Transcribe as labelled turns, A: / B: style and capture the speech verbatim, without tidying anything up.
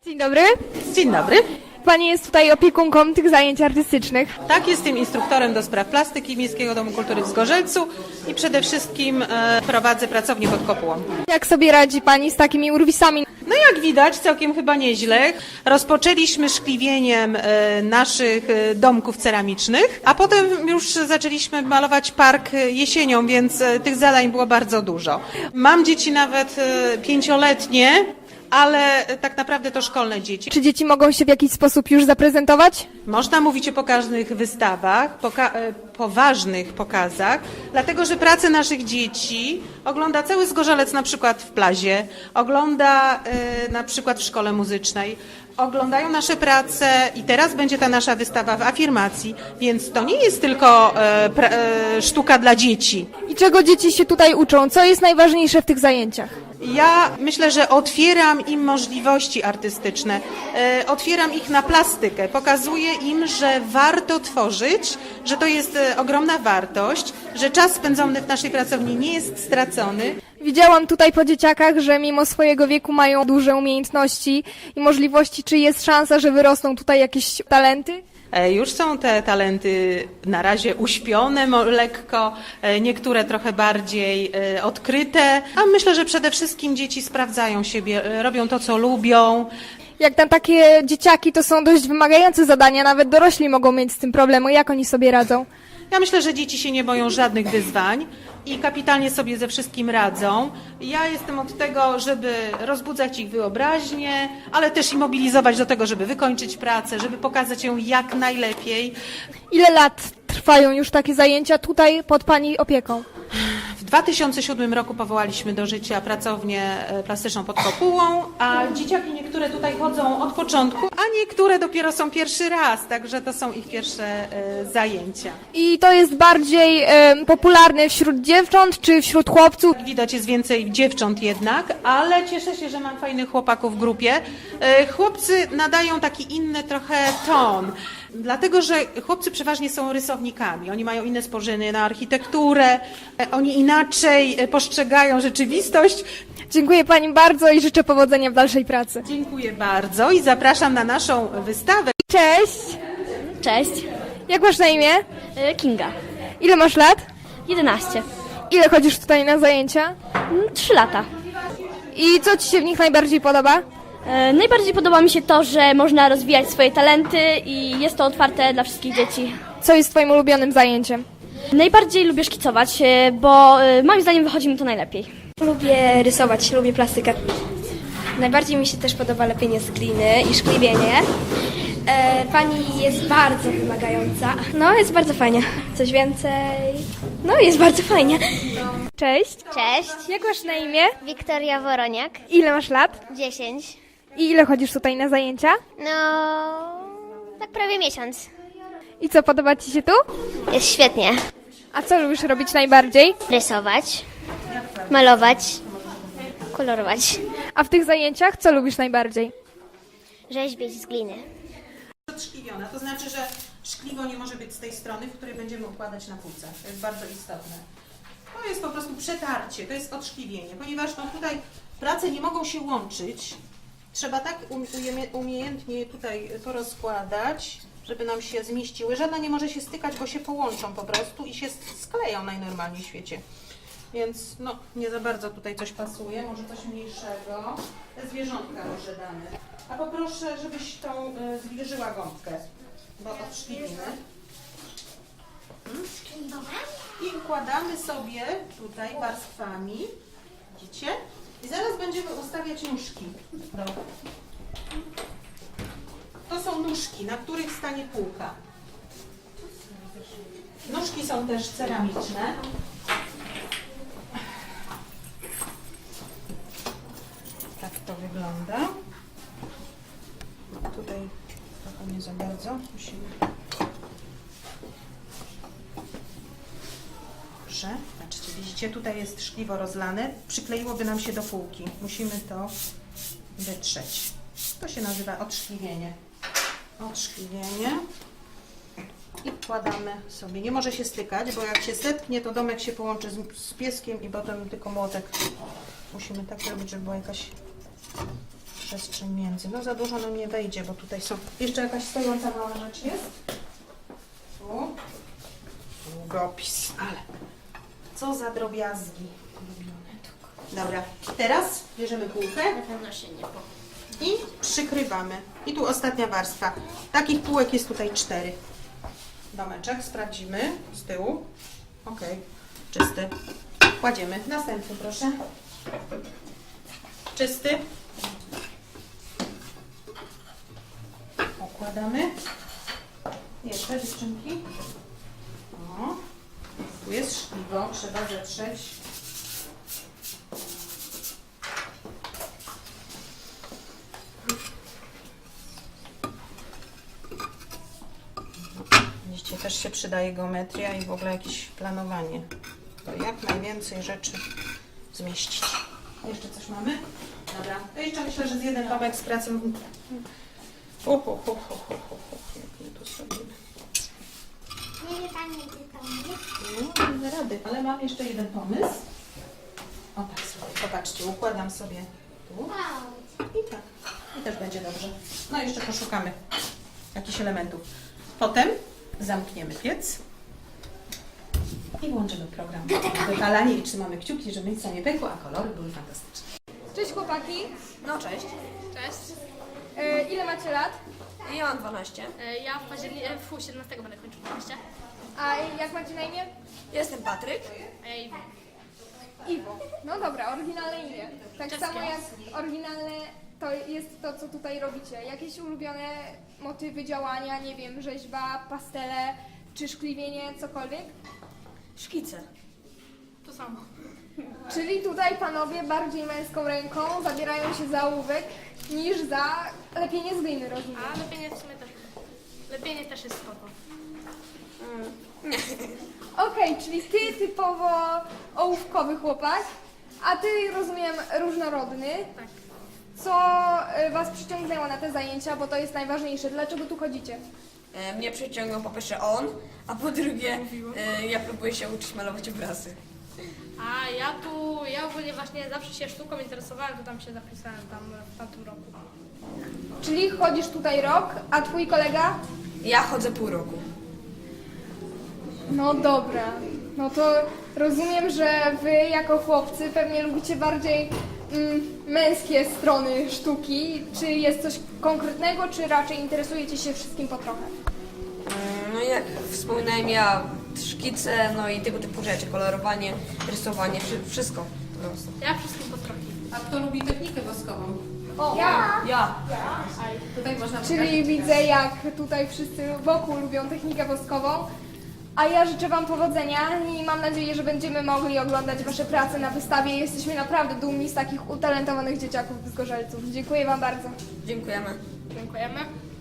A: Dzień dobry.
B: Dzień dobry.
A: Pani jest tutaj opiekunką tych zajęć artystycznych.
B: Tak, jestem instruktorem do spraw plastyki Miejskiego Domu Kultury w Zgorzelcu i przede wszystkim e, prowadzę pracownię pod kopułą.
A: Jak sobie radzi Pani z takimi urwisami?
B: No jak widać, całkiem chyba nieźle. Rozpoczęliśmy szkliwieniem e, naszych e, domków ceramicznych, a potem już zaczęliśmy malować park e, jesienią, więc e, tych zadań było bardzo dużo. Mam dzieci nawet e, pięcioletnie, ale tak naprawdę to szkolne dzieci.
A: Czy dzieci mogą się w jakiś sposób już zaprezentować?
B: Można mówić o pokaźnych wystawach, poka e, poważnych pokazach, dlatego że pracę naszych dzieci ogląda cały Zgorzelec na przykład w Plazie, ogląda e, na przykład w szkole muzycznej, oglądają nasze prace i teraz będzie ta nasza wystawa w afirmacji, więc to nie jest tylko e, pra, e, sztuka dla dzieci.
A: I czego dzieci się tutaj uczą? Co jest najważniejsze w tych zajęciach?
B: Ja myślę, że otwieram im możliwości artystyczne, e, otwieram ich na plastykę, pokazuję im, że warto tworzyć, że to jest e, ogromna wartość, że czas spędzony w naszej pracowni nie jest stracony.
A: Widziałam tutaj po dzieciakach, że mimo swojego wieku mają duże umiejętności i możliwości. Czy jest szansa, że wyrosną tutaj jakieś talenty?
B: E, Już są te talenty na razie uśpione mo- lekko, e, niektóre trochę bardziej e, odkryte, a myślę, że przede wszystkim dzieci sprawdzają siebie, e, robią to, co lubią.
A: Jak na takie dzieciaki to są dość wymagające zadania, nawet dorośli mogą mieć z tym problemy. Jak oni sobie radzą?
B: Ja myślę, że dzieci się nie boją żadnych wyzwań i kapitalnie sobie ze wszystkim radzą. Ja jestem od tego, żeby rozbudzać ich wyobraźnię, ale też i mobilizować do tego, żeby wykończyć pracę, żeby pokazać ją jak najlepiej.
A: Ile lat trwają już takie zajęcia tutaj pod Pani opieką?
B: W dwa tysiące siódmym roku powołaliśmy do życia pracownię e, plastyczną pod kopułą, a dzieciaki niektóre tutaj chodzą od początku, a niektóre dopiero są pierwszy raz, także to są ich pierwsze e, zajęcia.
A: I to jest bardziej em, popularne wśród dziewcząt czy wśród chłopców?
B: Widać jest więcej dziewcząt jednak, ale cieszę się, że mam fajnych chłopaków w grupie. E, Chłopcy nadają taki inny trochę ton, dlatego że chłopcy przeważnie są rysownikami. Oni mają inne spojrzenie na architekturę, e, oni inaczej e, postrzegają rzeczywistość.
A: Dziękuję Pani bardzo i życzę powodzenia w dalszej pracy.
B: Dziękuję bardzo i zapraszam na naszą wystawę.
A: Cześć!
C: Cześć,
A: Jak masz na imię?
C: y, Kinga.
A: Ile masz lat?
C: jedenaście.
A: Ile chodzisz tutaj na zajęcia?
C: Mm, trzy lata.
A: I co Ci się w nich najbardziej podoba?
C: E, Najbardziej podoba mi się to, że można rozwijać swoje talenty i jest to otwarte dla wszystkich dzieci.
A: Co jest Twoim ulubionym zajęciem?
C: Najbardziej lubię szkicować, e, bo e, moim zdaniem wychodzi mi to najlepiej.
D: Lubię rysować, lubię plastykę. Najbardziej mi się też podoba lepienie z gliny i szkliwienie. E, pani jest bardzo wymagająca. No, jest bardzo fajnie. Coś więcej? No, jest bardzo fajnie.
A: Cześć!
E: Cześć,
A: Jak masz na imię?
E: Wiktoria Woroniak,
A: Ile masz lat?
E: dziesięć.
A: I ile chodzisz tutaj na zajęcia?
E: No, tak prawie miesiąc.
A: I co, podoba Ci się tu?
E: Jest świetnie.
A: A co lubisz robić najbardziej?
E: Rysować, malować, kolorować,
A: A w tych zajęciach co lubisz najbardziej?
E: rzeźbić z gliny.
B: Odszkliwiona, to znaczy, że szkliwo nie może być z tej strony, w której będziemy układać na półce. To jest bardzo istotne. To jest po prostu przetarcie, to jest odszkliwienie, ponieważ no, tutaj prace nie mogą się łączyć. Trzeba tak um- ujemie- umiejętnie tutaj to rozkładać, żeby nam się zmieściły. Żadna nie może się stykać, bo się połączą po prostu i się skleją najnormalniej w świecie. Więc no, nie za bardzo tutaj coś pasuje, może coś mniejszego. Te zwierzątka może damy. A poproszę, żebyś tą y, zbliżyła gąbkę, bo odszklimy. I układamy sobie tutaj warstwami, widzicie? I zaraz będziemy ustawiać nóżki. Do. To są nóżki, na których stanie półka. Nóżki są też ceramiczne. Tak to wygląda. Tutaj trochę nie za bardzo. Musimy... Dobrze. Patrzcie, widzicie, tutaj jest szkliwo rozlane. Przykleiłoby nam się do półki. Musimy to wytrzeć. To się nazywa odszkliwienie. Odszkliwienie. I wkładamy sobie. Nie może się stykać, bo jak się zetknie, to domek się połączy z, z pieskiem i potem tylko młotek. Musimy tak robić, żeby była jakaś przestrzeń między. No za dużo nam nie wejdzie, bo tutaj są... Jeszcze jakaś stojąca mała rzecz jest? Tu. Długopis, ale co za drobiazgi. Dobra, teraz bierzemy półkę
C: Na pewno się nie po.
B: i przykrywamy. I tu ostatnia warstwa. Takich półek jest tutaj cztery. Domeczek sprawdzimy z tyłu. Ok, czysty. Kładziemy. Następny proszę. Czysty. Okładamy. Jeszcze dziewczynki. O, tu jest szkliwo, trzeba zetrzeć. Widzicie, też się przydaje geometria i w ogóle jakieś planowanie. To jak najwięcej rzeczy zmieścić. Jeszcze coś mamy? Dobra. To jeszcze myślę, że z jeden tomek z pracy. Ho, ho, ho, ho, ho, ho, ho. Jak my tu zrobimy?
E: Nie wie Pani, gdzie to jest?
B: No, nie da rady, ale mam jeszcze jeden pomysł. O tak sobie, popatrzcie, układam sobie tu i tak. I też będzie dobrze. No jeszcze poszukamy jakichś elementów. Potem zamkniemy piec i włączymy program wypalanie i trzymamy kciuki, żeby nic nie pękło, a kolory były fantastyczne.
A: Cześć chłopaki.
F: No cześć.
C: Cześć.
A: E, ile macie lat?
F: Ja mam dwanaście.
C: E, Ja w październiku, e, w siedemnastego będę kończył dwanaście.
A: A jak macie na imię?
F: Jestem Patryk.
C: Ej,
A: Iwo. No dobra, oryginalne imię. Tak
C: Czeskie.
A: samo jak oryginalne to jest to, co tutaj robicie. Jakieś ulubione motywy działania, nie wiem, rzeźba, pastele, czy szkliwienie, cokolwiek?
F: Szkice.
C: to samo.
A: Czyli tutaj panowie bardziej męską ręką zabierają się za ołówek niż za lepienie z gliny, rozumiem.
C: A lepienie w sumie też. Lepienie też jest spoko.
A: Okej, czyli ty typowo ołówkowy chłopak, a ty, rozumiem, różnorodny.
C: Tak.
A: Co y, was przyciągnęło na te zajęcia, bo to jest najważniejsze. Dlaczego tu chodzicie?
F: E, Mnie przyciągnął po pierwsze on, a po drugie e, ja próbuję się uczyć malować obrazy.
C: A ja tu, ja ogólnie właśnie zawsze się sztuką interesowałem, to tam się zapisałem tam w tamtym roku.
A: Czyli chodzisz tutaj rok, a twój kolega?
F: Ja chodzę pół roku.
A: No dobra. No to rozumiem, że wy jako chłopcy pewnie lubicie bardziej mm, męskie strony sztuki. Czy jest coś konkretnego, czy raczej interesujecie się wszystkim po trochę?
F: Mm, No i jak wspominałem, ja szkice, no i tego typu rzeczy, kolorowanie, rysowanie, wszy- wszystko po prostu.
C: Ja wszystkim po trochę.
B: A kto lubi technikę woskową?
A: O, ja!
F: Ja.
B: Tutaj można
A: Czyli widzę, jak tutaj wszyscy wokół lubią technikę woskową. A ja życzę wam powodzenia i mam nadzieję, że będziemy mogli oglądać wasze prace na wystawie. Jesteśmy naprawdę dumni z takich utalentowanych dzieciaków z Gorzelców. Dziękuję wam bardzo.
F: Dziękujemy.
C: Dziękujemy.